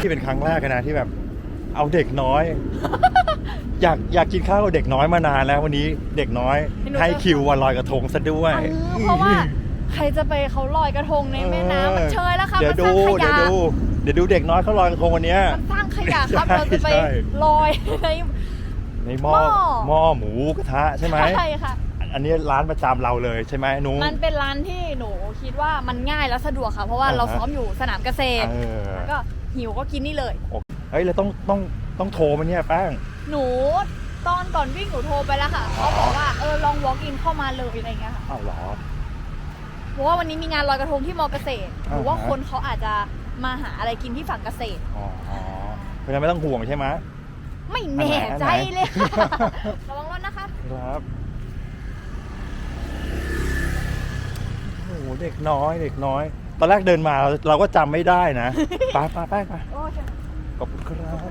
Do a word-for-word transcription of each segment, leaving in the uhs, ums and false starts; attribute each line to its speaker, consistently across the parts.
Speaker 1: นี่เป็นครั้งแรกนะที่แบบเอาเด็กน้อย อยากอยากกินข้าวกับเด็กน้อยมานานแล้ววันนี้เด็กน้อยให้คิววันลอยกระทงซะด้วย
Speaker 2: เพราะว่าใครจะไปเขาลอยกระทงในแม่น้ำมันเชยแล้วครับมันสร้างขยะ
Speaker 1: เดี๋ยวดูเดี๋ยวดูเด็กน้อยเขาลอยกระทงวันนี้
Speaker 2: มันสร้างขยะครับเราจะไปลอยใน
Speaker 1: ในหม้อหม้อหมูกระทะใช่ไหม
Speaker 2: ใช่ค่ะ
Speaker 1: อันนี้ร้านประจำเราเลยใช่ไหมนุ้ง
Speaker 2: มันเป็นร้านที่หนูคิดว่ามันง่ายและสะดวกค่ะเพราะว่าเราซ้อมอยู่สนามเกษตรก็หิวก็กินนี่เลย
Speaker 1: เฮ้ยเราต้องต้องต้องโทรมาเนี่ยแป้ง
Speaker 2: หนูตอนก่อนวิ่งหนูโทรไปแล้วค่ะเขาบอกว่าเออลอง walk in เข้ามาเลยอะไรเงี้ยค่ะ
Speaker 1: อ้าวเหรอ
Speaker 2: เพราะว่าวันนี้มีงานลอยกระทงที่มอเกษตรหรือว่าคนเขาอาจจะมาหาอะไรกินที่ฝั่งเกษตร
Speaker 1: อ๋อเพราะฉะนั้นไม่ต้องห่วงใช่ไหม
Speaker 2: ไม่แน่ใจเลยระวังรถนะคะ
Speaker 1: ครับโอ้โหเด็กน้อยเด็กน้อยตอนแรกเดินมาเราเราก็จำไม่ได้นะไปไปไปไปขอบคุณครับ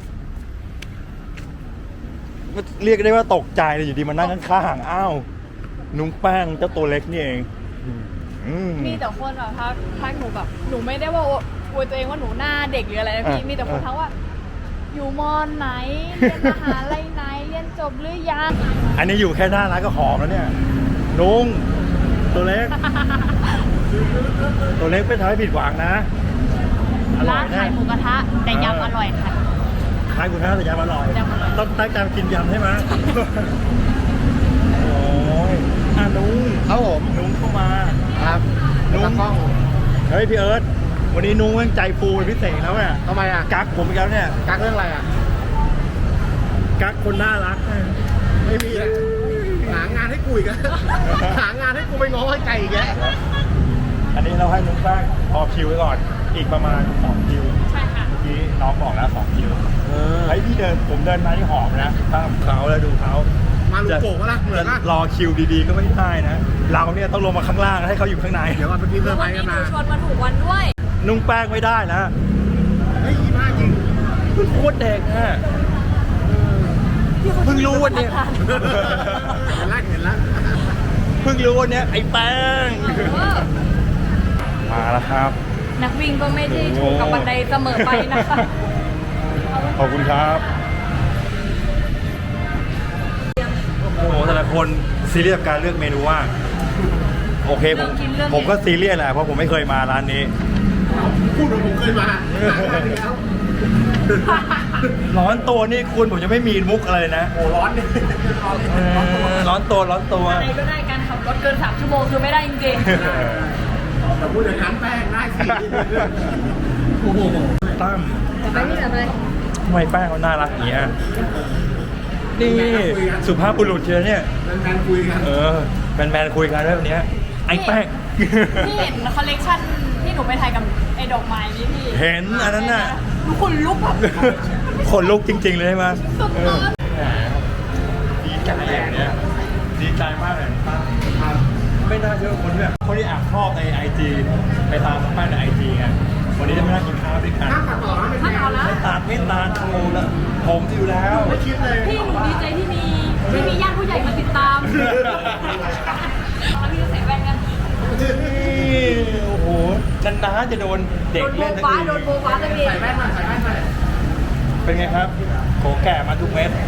Speaker 1: เรียกได้ว่าตกใจเลยอยู่ดีมานั่งข้างๆอ้าวนุ้งแป้งเจ้าตัวเล็กนี่เอง
Speaker 2: มีแต่คนแบบทักทักหนูแบบหนูไม่ได้ว่าอวยตัวเองว่าหนูหน้าเด็กหรืออะไรนะพี่มีแต่คนทักว่าอยู่มอไหนเรียนมหาลัยไหนเรียนจบหรือยัง
Speaker 1: อันนี้อยู่แค่หน้าร้านก็หอมแล้วเนี่ยนุ้งตัวเล็กตัวเล็กไม่ทำให้ผิดหวังนะ
Speaker 2: ร้านขายหมูกระทะแต่ยำอร่อยค่ะ
Speaker 1: ขายหมูกระทะแต่ยำอร่อยต้องตั้งใจกินยำใช่ไหมโอ้ยอ่ะนุ้ง
Speaker 3: ครับผม
Speaker 1: นุ้งเข้ามา
Speaker 3: ครับ
Speaker 1: นุ้งเฮ้ยพี่เอิร์ธวันนี้นุ้งใจฟูเป็นพิเศษแล้วเนี่ย
Speaker 3: ทำไมอ่ะ
Speaker 1: กักผมอีกแล้วเนี่ย
Speaker 3: กักเรื่องอะไรอ่ะ
Speaker 1: กักคนน่ารัก
Speaker 3: ไม่มีเลยหางานให้กูอีกหางานให้กูไปง้อให้ใจอีกแก
Speaker 1: อันนี้เราให้นุ้งแป้งพอคิวไว้ก่อนอีกประมาณสองคิว
Speaker 2: ใช่ค่ะ
Speaker 1: เมื่อกี้น้องบอกแล้วสองคิวไอ้พี่เดินผมเดินมาที่หอมนะข้ามเขาแล้วดูเขา
Speaker 3: มาลูกโป่งวะล่ะเหมือน
Speaker 1: รอคิวดีๆก็ไม่ได้นะเราเนี่ยต้องลงมาข้างล่างให้เขาอยู่ข้างใน
Speaker 3: เดี๋ยววันนี้เพิ่มไปกันมา
Speaker 2: ชวนมาถูกวันด้วย
Speaker 1: นุ่งแป้งไม่ได้นะ
Speaker 3: เฮ้ยมากจริง
Speaker 1: โคตรเด็กฮะเพิ่งรู้วันนี้
Speaker 3: เห็นแล้วเห็นแล้ว
Speaker 1: เพิ่งรู้วันนี้ไอ้แป้งมาแล้วครับ
Speaker 2: นักวิ่งก็ไม่ได้ถูกกับบันไดเสมอไปนะคะ
Speaker 1: ขอบคุณครับโอ้โหแต่ละคนซีเรียสการเลือกเมนูว่าโอเคผมผมก็ซีเรียสแหละเพราะผมไม่เคยมาร้านนี้
Speaker 3: พูดว่าผมเคยมา
Speaker 1: ร้อนตัวนี่คุณผมจะไม่มีมุกอะไรนะ
Speaker 3: โอ้ร้อนนี่
Speaker 1: ร้อนตัวร้อนตัว
Speaker 2: อะไรก็ได้การขับรถเกินสามชั่วโมงคือไม่ได้จริง
Speaker 3: ๆแต่พูดอย่างนั้นแป้งได้สิโอ้โห
Speaker 1: ตั้ม
Speaker 2: ไปนี่แหละเลย
Speaker 1: ทำไมแป้งเขาน่ารักอย่างเงี้ยนี่สุภาพบุรุษเชียวเนี่ย
Speaker 3: แมนคุยกัน
Speaker 1: เออแมนๆคุยกันเรื่องนี้ไอ้แป้ง
Speaker 2: พี่เห็นคอลเลกชันที่หนูไปถ่ายกับไอ้ดอกไม้นี่พี่
Speaker 1: เห็นอันนั้นน่ะ
Speaker 2: ทุกคนลุกแบบ
Speaker 1: คนลุกจริงๆเลยใช่ไหมดีใจอย่างเนี้ยดีใจมากเลยไม่น่าเชื่อคนที่แบบคนที่แอบชอบในไอจีไปตามแป้งในไอจีไงวันนี้จะไม่นั่งกินข้าวด้วยกัน
Speaker 3: ตัดต่อไม่ตัด
Speaker 1: ไม่ตัดไม่ตัดโชว์แล้วผมอยู่แล้ว
Speaker 3: ไม่คิดเลย
Speaker 2: พี่หนูดีใจที่มีที่มีญาติผู้ใหญ่มาติดตามแล้วพี่จะใส่แว่นกัน
Speaker 1: โอ้โหนันน้าจะโดนเด็กเล่นทั้งที
Speaker 2: โดนโบฟ้าเลย
Speaker 3: ใส่แว่นมาใส่แว่นมา
Speaker 1: เป็นไงครับโขแก่มาทุกเม็ด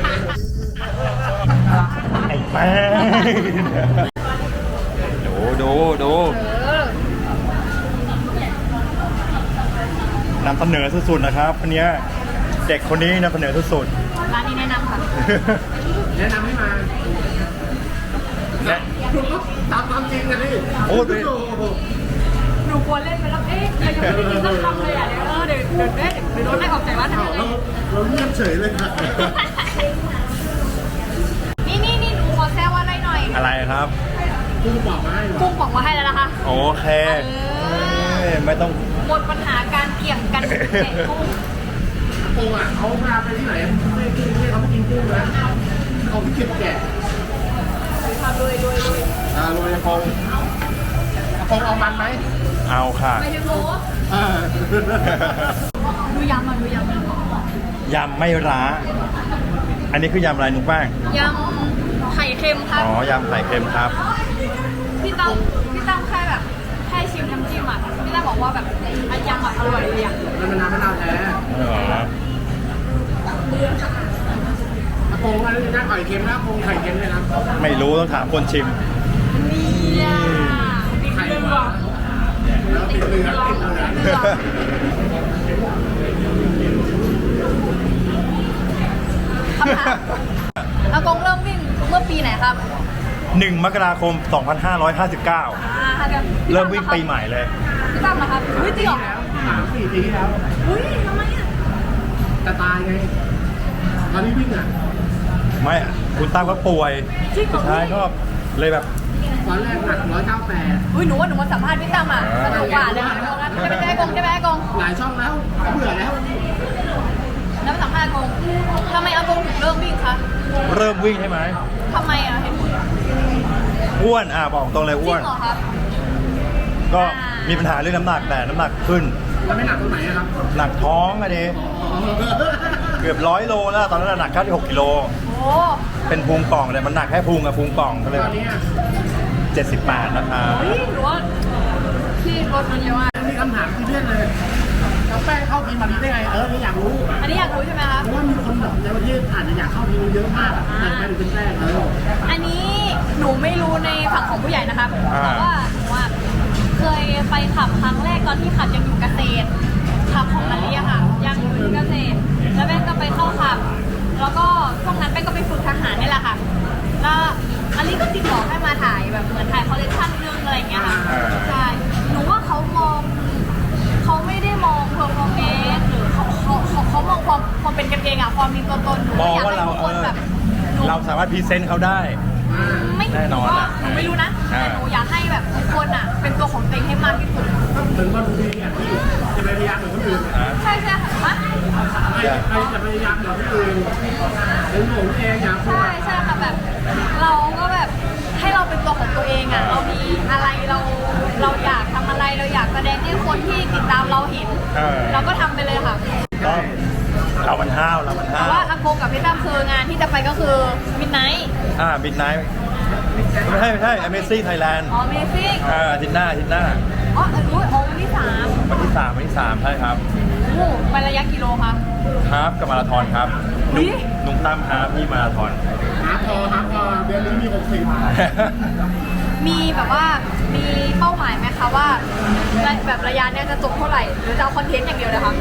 Speaker 1: ไอ้แป้งดูดูดูนำเสนอสุดๆนะครับคนนี้เด็กคนนี้นำเสนอสุด
Speaker 2: ๆร้านนี้แนะนำค่ะ
Speaker 3: แนะนำให้มาตามความจริงกันดิ
Speaker 1: โอ้ย
Speaker 2: หนูควรเล่นไปแล้วเอ๊ะเรายังไม่ได้กินสักคำเลยอ่ะเดี๋ยวเออเดี๋ยวเดี๋ยวเดี๋ยวโดนไล่ออกจากร้านทำไง
Speaker 3: เราเงียบเฉยเลยค่ะ
Speaker 2: นี่นี่นี่หนูขอแซวอะไรหน่อย
Speaker 1: อะไรครับ
Speaker 3: กุ้งบอกมาให้
Speaker 2: กุ้งบอกมาให้แล้วนะคะ
Speaker 1: โอเคไม่ต้อง
Speaker 2: หมดปัญหาการเกี่ยงกันแกะกุ้ง
Speaker 3: กุ้งอ่ะเขาพาไปที่ไหนไม่กุ้งไม่เขาไม่กินกุ้งนะเขาไม่กินแกะ
Speaker 2: ทำเลยเลยเลย
Speaker 3: อ่าโรยฟองฟองเอามันไหม
Speaker 1: เอาค่ะ
Speaker 2: ไม่ถึงโลดูยำอ่ะดูยำ
Speaker 1: ยำไม่ร้าอันนี้คือยำอะไรนุ๊กแป้ง
Speaker 2: ยำไข่เค็มครับ
Speaker 1: อ๋อยำไข่เค็มครับ
Speaker 2: พี่ตั้มพี่ตั้มแค่แบบแค่ชิมน้ำจิ้มอ่ะพี่ตั้มบอกว่าแบบยำแบบอร่อยเลยอ่ะ
Speaker 3: มันเป็นน้ำมะนาวแท้โกงอะไรนะไข่เค็มนะโกงไข่เค็มเลยนะ
Speaker 1: ไม่รู้ต้องถามคนชิม
Speaker 2: เนี่ยติด
Speaker 3: ไข่
Speaker 2: เรือ
Speaker 3: หวานแล้วติดเรือติดเรือ
Speaker 2: เรือคำถามอากงเริ่มวิ่งเมื่อปีไหนครับ
Speaker 1: หนึ่ง มกราคม สองพันห้าร้อยห้าสิบเก้า
Speaker 2: อ่าครับ
Speaker 1: เริ่มวิ่งปีใหม่เลย
Speaker 2: พี่ตั้มนะครับอุ้ยจริงเหรอ
Speaker 3: แล้วสามสี่ปีที่แล้ว
Speaker 2: อุ้ยทำไมอ่ะ
Speaker 3: จะตายไงตอนนี้วิ่งอ่ะ
Speaker 1: ไม่คุณตั้มก็ป่วย
Speaker 2: จริงเหร
Speaker 1: สุ
Speaker 2: อ
Speaker 1: ดท้ายก็เลยแบบ
Speaker 3: ตอนแรกหนักร้อยเก้าแปด
Speaker 2: อุ้ยหนูว่าหนูมาสัมภาษณ์พี่ตั้มอ่ะสนุกกว่าเลยค่ะใช่ไหมใช่ไหมกงใช่ไหมกง
Speaker 3: หลายช่องแล้วเบื่อแล้ว
Speaker 2: แล้วมาสัมภาษณ์กงทำไมอากงถึงเริ่มวิ่งคะ
Speaker 1: เริ่มวิ่งใช่ไหม
Speaker 2: ทำไมอ่ะเห็นผล
Speaker 1: อ้วนอ่ะบอกตรงเลย
Speaker 2: จริ
Speaker 1: อ้วน
Speaker 2: งเหรอครับ
Speaker 1: ก็มีปัญหาเรื่องน้ำหนักแต่น้ำหนักขึ้น
Speaker 3: แล้วไม่หนักตรงไหนอะครับ
Speaker 1: หนักท้องอะดิเกือบร้อยโลแล้วตอนนั้นหนักแค่หกกิโล
Speaker 2: โอ้
Speaker 1: เป็นพุงป่องเลยมันหนักแค่พุงกับพุงป่องก็เลย
Speaker 3: ตอนนี้อะ
Speaker 1: เจ็ดสิบแปดนะคะ
Speaker 2: ยหนูว่าพี่ลดมันเยอะมาก
Speaker 3: มีคำถามที่เรื่องเลยแล้วแป้งเข้าทีมมาดีได้ไง เออนี่อยากรู้
Speaker 2: อันนี้อยากรู้ใช่ไหมคะ
Speaker 3: เพราะว่ามีคนแบบในประเทศอาจจะอยากเข้าทีมเยอะมากอะแต่ไม่ถึงเป็นแป้งเออ
Speaker 2: อันนี้หนูไม่รู้ในฝั่งของผู้ใหญ่นะครับแต่ว่าหนูว่าเคยไปขับครั้งแรกตอนที่ขับยังอยู่เกษตรขับของมาเรียค่ะ ยังอยู่ที่เกษตร แล้วแม่ก็ไปเข้าขับ แล้วก็ช่วงนั้นแม่ก็ไปฝึกทหารนี่แหละค่ะ แล้วอันนี้ก็ติดต่อให้มาถ่ายแบบเหมือนถ่ายคอลเลคชันเรื่องอะไรอย่างเงี้ยค่ะใช่หนูว่าเขามองเขาไม่ได้มองเพอร์ฟอร์แมนซ์หรือเขาเขาเขาเขามองความความเป็นกันเองอะความมีตัวตนหนู
Speaker 1: มอง
Speaker 2: อยาก
Speaker 1: ว่า
Speaker 2: ให้
Speaker 1: เรา
Speaker 2: ทุก
Speaker 1: เอ
Speaker 2: คน
Speaker 1: อ
Speaker 2: แบบหนู
Speaker 1: เราสามารถพรีเซนต์เขาได้
Speaker 2: ไม่
Speaker 1: แน่นอน
Speaker 2: ก็
Speaker 1: อะ
Speaker 2: หนูไม่รู้นะ
Speaker 1: อ่า
Speaker 2: แต่หนูอยากให้แบบทุกคนอ่ะ เป็นตัวของตัวเองให้มากที่สุด
Speaker 3: ถึงว่าดูดีอ่ะที่จะไปพยายามเหมือนคนอื่น
Speaker 1: นะ
Speaker 2: ใช่ใช่ค่ะมะ
Speaker 3: ใครใครจะพยายามเหมือนคนอื่นเป็นผมเองอยากพูด
Speaker 2: ใช่ใช่ค่ะแบบ เราก็แบบให้เราเป็นตัวของตัวเองอ่ะ เรามีอะไรเราเราอยากทำอะไรเราอยากแสดงให้คนที่ติดตามเราเห็น
Speaker 1: เออ
Speaker 2: เราก็ทำไปเลยค่ะ
Speaker 1: ก็เรามันห้าวเรามัน
Speaker 2: แต่
Speaker 1: ห้าว
Speaker 2: ว่าอากงกับพี่ตั้มคืองานที่จะไปก็คือมิดไนท์
Speaker 1: อ่าบิดไนท์ไม่ใช่ไม่ใช่ Amazing Thailand
Speaker 2: อ๋อเมซิ่ง
Speaker 1: อ่าอาทิตย์หน้าอาทิตย์หน้า
Speaker 2: อ๋อเออรู้อ๋อวันที่สาม
Speaker 1: วันที่สามวันที่สามใช่ครับ
Speaker 2: โอ้ไประยะกิโลคะ
Speaker 1: ฮาฟกับมาราธอนครับ
Speaker 2: อุ๊ย
Speaker 1: นุ่งตั้มฮาฟพี่มาราธอน
Speaker 3: หาพอหาพอเดือนนี้มีหกสิบ
Speaker 2: มีแบบว่ามีเป้าหมายไหมคะว่าแบบระยะเนี้ยจะจบเท่าไหร่หรือจะเอาคอนเทนต์อย่างเดียวเลยคะ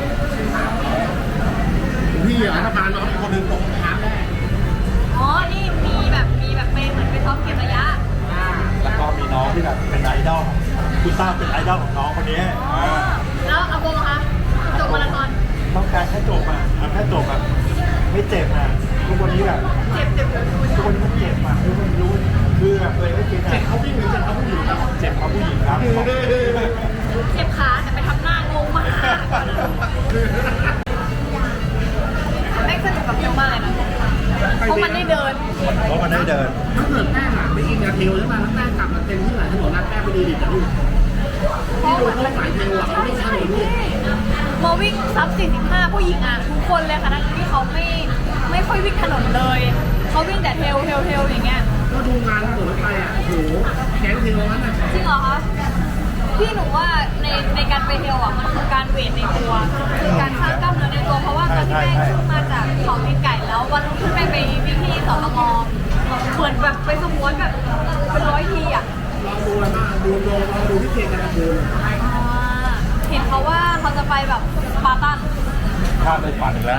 Speaker 3: พี่อ่ะถ้าพาน้องอีกคนหนึ่งตกน้ำแน่
Speaker 2: อ๋อ นี่มีแบบมีแบบเป็นเหมือนเป็นท็อปเก็บระยะ
Speaker 1: แล้วก็มีน้องที่แบบเป็นไอดอลคุณตั้มเป็นไอดอลของน้องคนนี้
Speaker 2: อ๋อ แล้วอาโกงคะจบมาราธอน
Speaker 1: ต้องการแค่จบอ่ะเอาแค่จบอ่ะไม่เจ็บอ่ะทุกวันนี้แบบ
Speaker 2: เจ็บเจ็บเจ็บ
Speaker 1: ทุกวันนี้มันเจ็บอ่ะทุกคนรู้คือแบบตัวเองไม่เจ็บ
Speaker 3: เจ็
Speaker 1: อ่ะ
Speaker 3: บเขาวิ่งหรือเจ็บเขาผู้หญิงครับ
Speaker 1: เจ็บเพราะผู้หญิงครับ
Speaker 2: เจ็บขาแต่ไปทำหน้างงมากแม่งสนุกกับเทลมากเลยนะเพราะมันได้เดิน
Speaker 1: เพราะมันได้เดิน
Speaker 3: ถ้าเกิดแป้งอ่ะไม่กินกระเทียวใช่ไหมแล้วแป้งกลับมาเต็มที่ไหนถนนนัดแป้งไปดีดิบจะดูที่ดูเขาสายเทวอ่ะเขาไม่ใช่เลย
Speaker 2: มาวิ่งซับสี่สิบห้าผู้หญิงอ่ะทุกคนเลยค่ะทั้งที่เขาไม่ไม่ค่อยวิ่งถนนเลยเขาวิ่งแต่เทลเทลเทลอย่างเงี้ย
Speaker 3: ก็ดูงานถนนรถไฟอ่ะโอ้โหแก๊งเทวนั้นอ่ะ
Speaker 2: จริงเหรอคะพี่หนูว่าในในการไปเทลอ่ะมันคือการเวทในตัวคือการสร้างกล้ามเนื้อในตัวเพราะว่าตอนที่แม่ขึ้นมาจากเขาตีนไก่แล้ววันรุ่งขึ้นแม่ไปวิ่งที่สตมเหมือนแบบไปสมวนแบบเป็นร้อยทีอ่ะ
Speaker 3: ลองดูเลยมากดูโดนลองดูที่เจกันดู
Speaker 2: อ่าเห็นเขาว่าเขาจะไปแบบสปาร์ตัน
Speaker 1: ข้ามไปฝันอีกแล้ว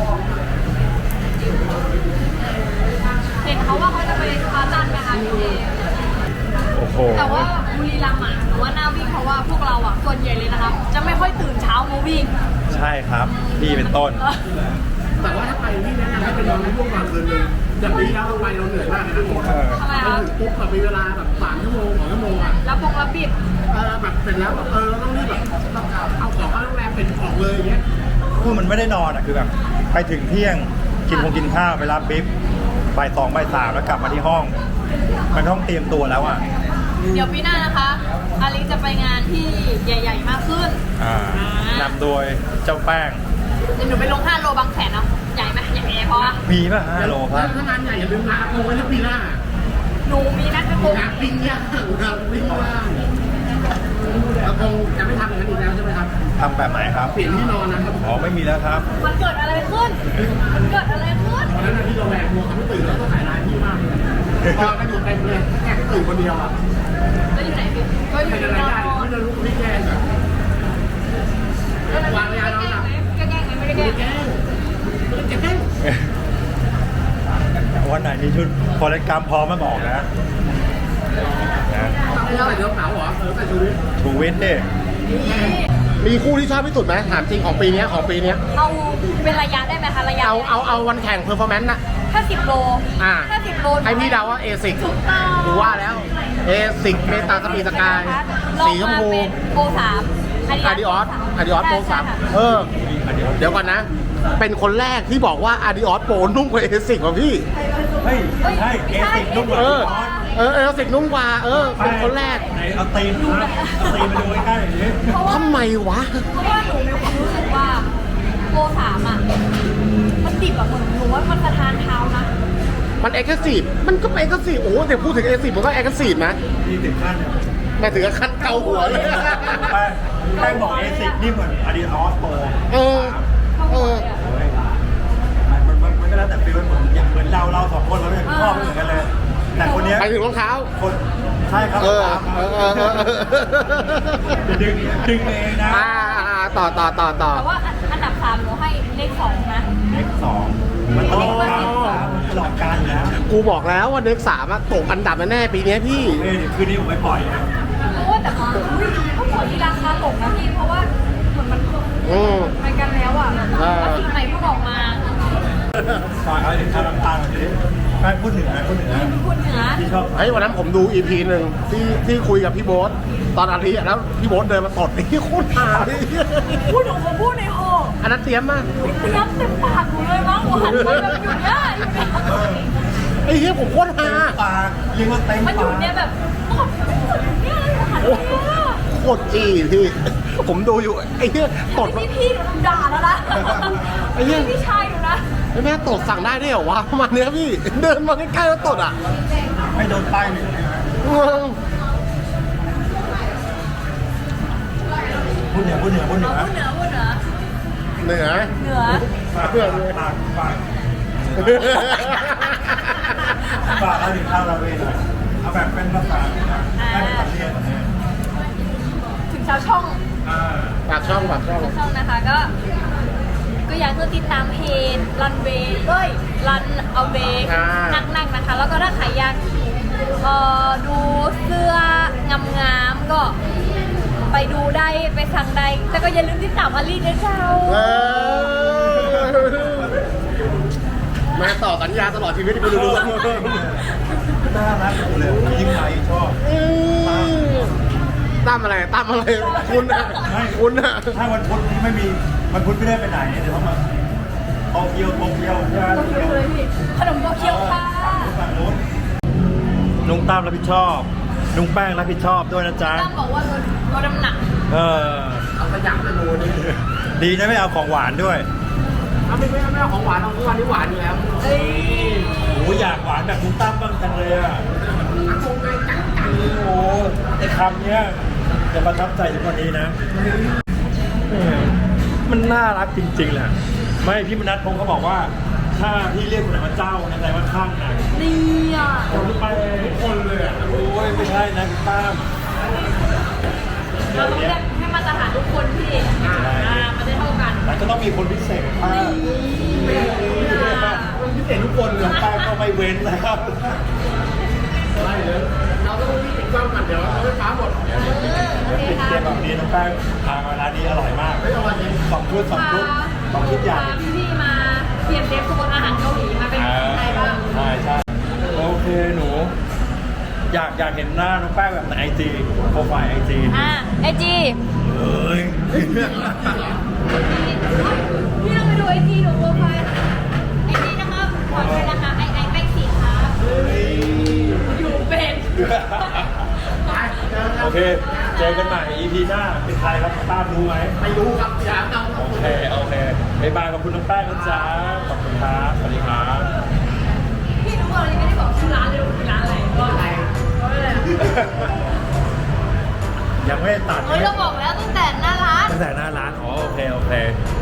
Speaker 2: เห็นเขาว่าเขาจะไปสปาร์ตันนะคะพี่เจ
Speaker 1: โอ้โห
Speaker 2: แต่ว่าบุรีรัมย์อ่ะหนูว่าน่าวิ่งเพราะว่าพวกเราอ่ะส่วนใหญ่เลยนะคะจะไม่ค่อยตื่นเช้ามาวิ่ง
Speaker 1: ใช่ครับพี่เป็นต้น
Speaker 3: แต่ว่าถ้าไปที่แนะนำให้ไปนอนในช่วงกลางคืนเลยอย่างนี้แล้วเราไปเราเหนื่อยมากนะ
Speaker 1: เออ
Speaker 2: ทำไม
Speaker 3: ไป
Speaker 2: คะ
Speaker 3: ถึงปุ๊บแบบมีเวลาแบบสามชั่วโมงสองชั่วโมงอ่ะ
Speaker 2: แล้วปกระบิด
Speaker 3: เออแบบเสร็จแล้วแบบเออต้องรีบแบบเอาของเข้าโรงแรมเป็นออกเลยอย่างเงี้ย
Speaker 1: คือมันไม่ได้นอนอ่ะคือแบบไปถึงเที่ยงกินคงกินข้าวไปรับบิ๊บบ่ายสองบ่ายสามแล้วกลับมาที่ห้อง มันต้องเตรียมตัวแล้วอ่ะ
Speaker 2: เดี๋ยวปีหน้านะคะอาลิจะไปงานที่ใหญ่ ๆ มากขึ้น
Speaker 1: อ่านำโดยเจ้าแป้ง
Speaker 2: เดี๋ยวหนูไปลงห้าโลบางแสนเนาะใหญ่ไหมใหญ่ไหมเพราะว่า
Speaker 1: มีป่ะห้าโลครับ
Speaker 3: ถ้างานใหญ่อย่าลืมลาโกงไว้ที่ปีหน้า
Speaker 2: หนูมีนัดกระโปง
Speaker 3: งานปิ้งย่างงานปิ้งย่างแล้วคงจะไม่ทำอย่างนั้นอีกแล้วใช่ไหมครับ
Speaker 1: ทำแบบไหนครับ
Speaker 3: เปลี่ยนที่นอนนะครับ
Speaker 1: อ๋อไม่มีแล้วครับ
Speaker 2: มันเกิดอะไรขึ้น มันเกิดอะไรขึ้น
Speaker 3: ตอนนั้นที่โรงแรมมัวเขาไม่ตื่นแล้วก็ถ่ายร้านที่มากเลยนอนกันอยู่เต็มเลยแค่ตื่นคนเดียวอ่ะ
Speaker 2: แล้วอยู่ไหนพี่ก็อยู่
Speaker 3: เป็นอะไร
Speaker 2: นอ
Speaker 3: ได้
Speaker 2: น
Speaker 3: ไม่ได้รู้ไม่แก้แบบ
Speaker 2: แล้วแกล้งไหมแกล้งไหมไม่ได้แกล้ง
Speaker 3: แก้ไม่แก้
Speaker 1: วันไหนมีชุดคอลเลกกรรมพร้อมมาบอกนะนะ
Speaker 3: ตั้งแต่เดี๋ยวเหงาเหรอเออแต่ชีวิต
Speaker 1: ชูวิทย์ดิ
Speaker 3: มีคู่ที่ชอบที่สุดไหมถามจริงของปีนี้ของปีนี้
Speaker 2: เอาเป็นระยะได้ไหมคะระยะ
Speaker 3: เอาเอาเอาวันแข่งเพอร์ฟอร์แมนซ์น่ะ
Speaker 2: ถ้าสิบโล
Speaker 3: อ่า
Speaker 2: ถ้าสิบโล
Speaker 3: ให้พี่เดาว่าเอซิก
Speaker 2: ถูกต้อง
Speaker 3: กูว่าแล้วเอซิกเมตาสปีดสกายสีชมพู
Speaker 2: โปรสาม
Speaker 3: อาดิออสอาดิออสโปรสามเออ เดี๋ยวก่อนนะ เป็นคนแรกที่บอกว่าอาดิออสโปรนุ่มกว่าเอซิกว่ะพี่
Speaker 1: เฮ้ยใช่เอสิกนุ่มกว่า
Speaker 3: เอ
Speaker 1: พี่
Speaker 3: อ
Speaker 1: บอส
Speaker 3: เออเอซิกนุ่มกว่า เออ เป็นคนแรก
Speaker 1: ไหนเอาตีนครับเอาตีนมาดูใกล้ๆอย่างนี้
Speaker 3: ทำไมวะ
Speaker 2: เพราะว่าหนูมีความรู้สึกว่าโปรสามอ่ะ มันดิบอ่ะเหมือนหนูว่ามันสะทานเท้านะ
Speaker 3: มันเอ็กซ์ซีฟมันก็เอ็กซ์ซีฟโอ้เดี๋ยวพูดถึงเอ็กซ์ซีฟมันก็เอ็กซ์ซีฟนะ
Speaker 1: ที่ถึงขั้นเนี่ย
Speaker 3: แม่ถึงกับขั้นเกาหัวเลย
Speaker 1: แป้งแป้งบอกเอสิกนี่เหมือนอาดิออสโปร
Speaker 3: เออ เออ
Speaker 1: มันมันมันก็แล้วแต่ฟีลมันเหมือนอย่างเหมือนเราเราสองคนเราเนี่ยชอบไม่เหมือนกันเลย แต่คนเนี้ย
Speaker 3: ไปถึงรองเท้า
Speaker 1: คนใช่ครับ
Speaker 3: เออ เออเออเออ
Speaker 1: จะดึงดึงเองนะ
Speaker 3: อ่าต่อต่อต่อต่อ
Speaker 2: แต่ว่าอันดับสามหนูให้เลขสองนะ
Speaker 1: เลขสองมันตลอดการตลอดการอยู่แล้ว
Speaker 3: กูบอกแล้วว่าเด็กสามอะตกอันดับแน่ๆปีนี้พี่
Speaker 1: เอ้ยเดี๋ยวคืนนี้ผมไม่ปล่อยนะ
Speaker 2: เพราะว่าแต่ว่าอุ้ยเขาบอกที่ราคาตกนะพี่ เพราะว่าเหมือนมัน
Speaker 3: อืม
Speaker 2: ไปกันแล้วอ่ะ
Speaker 3: อ่า
Speaker 2: แล้วสิ่งใหม่เพิ่งออกมา
Speaker 1: ฝากอะไรถึงชาวลำปางหน่อยสิแป้งพูดถึงนะพูดถึงนะ
Speaker 2: คุณเหนือ
Speaker 1: ที่ชอบ
Speaker 3: เฮ้ยวันนั้นผมดูอีพีหนึ่งที่ที่คุยกับพี่โบ๊ทตอนอาทิตย์อะแล้วพี่โบ๊ทเดินมาตดนี่โคตรหาเลย
Speaker 2: พูดหนูผมพูดในห้อง
Speaker 3: อันนั้นเตรียมมาก
Speaker 2: เตรียมเต็มปากหนูเลยมั้งหนูหันไปแบบอยู่เนี่ยอยู่เนี่ย
Speaker 3: ไอ้เหี้ยผมโคตรหา
Speaker 1: ปากเรียกว่าเต็ม
Speaker 2: มันอ
Speaker 1: ปา
Speaker 2: ยู่
Speaker 1: ก
Speaker 2: เนี่ยแบบหมดหมดเนี่ยหนูหันไปเนี่ย
Speaker 3: โคตรจีพี่ ผมดูอยู่ไอ้เหี้ยตด
Speaker 2: พี่พี่หนูด่าแล้วนะ
Speaker 3: ไอ้เหี้ย
Speaker 2: พี่ชายหนูนะ
Speaker 3: ไอ้แม่ตดสั่งได้ด้วยเหรอวะประมาณเนี้ยพี่ เดินมาใกล้ๆแล้วตดอ่ะ
Speaker 1: ไม่โดนป้ายหนึ่ง
Speaker 3: งง
Speaker 1: พูดเหนือพูดเหนือพูดเหนือ
Speaker 2: พูดเหนือพูดเหนือ
Speaker 3: เหนือ
Speaker 2: เหนือ
Speaker 1: ปากปากปากฝากเอาถึงข้าวเราเองหน่อยเอาแบบเป็นภาษาให้เป็นภาษาเรียน
Speaker 2: ถึงชาวช่อง
Speaker 1: อ่า
Speaker 3: ปากช่องปากช่อง
Speaker 2: ช่องนะคะก็ ก็อยากจะติดตามเพจรันเวย์เอ้ยรันเอาเวย์
Speaker 3: อ่า
Speaker 2: นักๆนะคะ แล้วก็ถ้าใครอยากเอ่อดูเสื้องามๆก็ไปดูได้ไปสั่งได้แต่ก็อย่าลืมติดตามอาลีด้วยเจ้า
Speaker 3: เออแม่ต่อสัญญาตลอดชีวิตกูดูดู
Speaker 1: น่ารักเลยยิ่งไรชอบ
Speaker 3: ตั้มอะไรตั้มอะไรคุณอะคุณอะ
Speaker 1: ถ้าวันพุธไม่มีวันพุธไม่ได้ไปไหนเดี๋ยวเขามาโตเกียวโตเกียวใช่ไหม
Speaker 2: โตเกียวเลยพี่ขนมโตเกียวค่ะ
Speaker 1: ฝั่งนู้นนุ้งตามรับผิดชอบ นุ้งแป้งรับผิดชอบด้วยนะจ๊ะ
Speaker 2: ตั้มบอกว่าลดลดน้ำหนัก
Speaker 1: เออ
Speaker 3: เอาขยะไปโมนี่
Speaker 1: ดีนะไม่เอาของหวานด้วย
Speaker 3: เอาไม่ไม่ไม่เอาของหวานเอาทุกวันนี้หวานอยู่แล้ว
Speaker 2: เอ้ย
Speaker 1: โอ้อยากหวานแบบนุ้งตั้มบ้างจังเลยอ่ะ
Speaker 3: อักงไงจังจัง
Speaker 1: โอ้ไอ้คำเนี้ยจะประทับใจทุกวันนี้นะเออมันน่ารักจริงๆแหละไม่พี่มนัทพงศ์เขาบอกว่า ถ้าพี่เรียกคนไหนว่าเจ้านะแต่ว่าข้างนะ
Speaker 2: นี่อ่ะ
Speaker 1: คนไปทุกคนเลยอ่ะโอ้ยไม่ใช่นะพี่ตั้ม
Speaker 2: เราต้องเรียกให้มาตรฐานทุกคนพี่อ่ามันจะเท่ากัน
Speaker 1: แต่ก็ต้องมีคนพิเศษบ้าง
Speaker 3: มันพิเศษทุกคนเลย
Speaker 1: แป้งก็ไม่เว้นนะครับ
Speaker 3: ได้เลยเราต้องรีบปิดกล้องก่อนเดี๋ยวเราไม่ฟ้าหมด
Speaker 2: โอเค
Speaker 1: ปิด
Speaker 2: ค่ะ
Speaker 1: เกมแบบนี้น้องแป้งทางร้านนี้อร่อยมาก
Speaker 3: ไม่อร่อยจริง
Speaker 1: สองชุดสองชุดสองชุดใหญ่
Speaker 2: พาพี่ๆมาเปลี่ยนเดฟโซนอาหารเกาหลีมาเป็นไทยบ้าง
Speaker 1: ใช่ใช่โอเคหนู อยากอยากเห็นหน้าน้องแป้งแบบในไอจีโปรไฟล์ไอจี
Speaker 2: อ่าไอจี
Speaker 1: เอ้ย
Speaker 2: พี่ต้องไปดูไอจีหนูโปรไฟล์ไอจีนะครับขอด้วยนะคะไอไอแป้งสีครับอยู่เป็น
Speaker 1: โอเค เจอกันใหม่ อี พี หน้าเป็นใครครับตามรู้ไหม
Speaker 3: ไม่รู้ครับอย่าเอา
Speaker 1: โอเค โอเคบ๊ายบายขอบคุณน้องแป้งนะจ๊ะขอบคุณครับสวัสดีครับ
Speaker 2: พี่รู้ว่าเรายังไม่ได้บอกชื่อร้านเลยว่าเป็นร้านอะไรว่าอะไรว่าอะไร
Speaker 1: ยังไม่ได้ตัด
Speaker 2: เฮ้ยเราบอกแล้วตั้งแต่หน้าร้าน
Speaker 1: แสดงหน้าร้านอ๋อโอเคโอเค